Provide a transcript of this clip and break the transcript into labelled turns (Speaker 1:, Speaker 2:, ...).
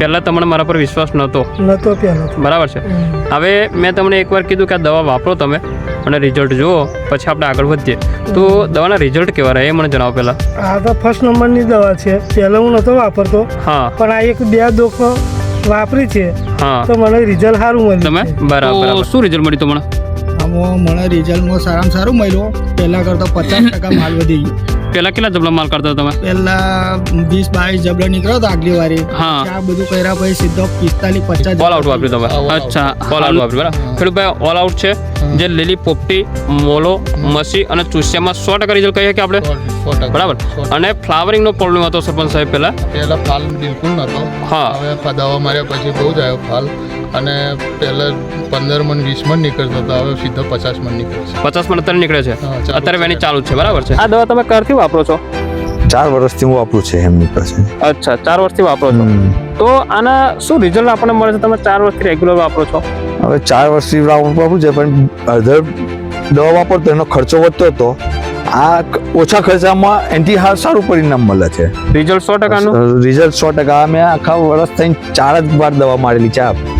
Speaker 1: પહેલાં તમને મારા પર વિશ્વાસ નહોતો
Speaker 2: પહેલા.
Speaker 1: બરાબર છે. હવે મેં તમને એકવાર કીધું કે આ દવા વાપરો તમે અને રિઝલ્ટ જુઓ, પછી આપણે આગળ વધીએ. તો દવાના રિઝલ્ટ કેવા રહ્યા એ મને જણાવો પહેલાં.
Speaker 2: આ તો ફર્સ્ટ નંબરની દવા છે. પહેલા હું નહોતો વાપરતો,
Speaker 1: હા
Speaker 2: પણ આ 1-2 ડોઝ વાપરી છે
Speaker 1: હા
Speaker 2: તો મને રિઝલ્ટ સારું મળ્યું.
Speaker 1: તમે
Speaker 2: છે.
Speaker 1: બરાબર. શું રિઝલ્ટ મળ્યું તમને?
Speaker 3: આમાં મને રિઝલ્ટમાં સારામાં સારું મળ્યું. પહેલાં કરતાં 50% માલ વધી ગયો.
Speaker 1: પહેલાં કેટલા જબલા માલ કરતા તમે?
Speaker 3: પહેલાં 20-22 જબલો નીકળ્યો હતો આગલી વારે.
Speaker 1: હા.
Speaker 3: આ બધું કર્યા પછી સીધો 45-50
Speaker 1: ઓલ આઉટ વાપર્યું તમે? અચ્છા, ઓલ આઉટ વાપર્યું. બરાબર. ખેડૂતભાઈ ઓલ આઉટ છે જે લીલી પોપટી, મોલો, મસી અને ચૂસિયામાં 100% રિઝલ્ટ કહીએ કે આપણે, બરાબર. અને ફ્લાવરિંગનો પ્રોબ્લેમ હતો સરપંચ સાહેબ પહેલાં?
Speaker 4: ફાલ બિલકુલ નહોતો.
Speaker 1: હા.
Speaker 4: હવે દવા માર્યા પછી બહુ જ આવ્યો ફાલ, અને પહેલાં 15 મણ 20 મણ નીકળતો હતો, હવે સીધો 50 મણ નીકળે છે.
Speaker 1: 50 મણ અત્યારે નીકળે છે.
Speaker 4: હા, ચાલુ
Speaker 1: અત્યારે
Speaker 4: છે.
Speaker 1: વેની ચાલુ જ છે. બરાબર છે. આ દવા તમે ક્યારથી વાપરો છો?
Speaker 5: 4 વર્ષથી હું વાપરું છે એમની પાસે.
Speaker 1: અચ્છા, 4 વર્ષથી વાપરો છો. તો આના શું રિઝલ્ટ આપણને મળે છે? તમે 4 વર્ષથી રેગ્યુલર વાપરો છો?
Speaker 5: હવે 4 વર્ષથી વાપરું છે, પણ અડધર દવા વાપરતો એનો ખર્ચો વધતો હતો. આ ઓછા ખર્ચામાં એન્ટી સારું પરિણામ મળે છે.
Speaker 1: રિઝલ્ટ 100%નું
Speaker 5: રિઝલ્ટ 100%. મેં આખા વર્ષ થઈને 4 જ વાર દવા મારેલી છે.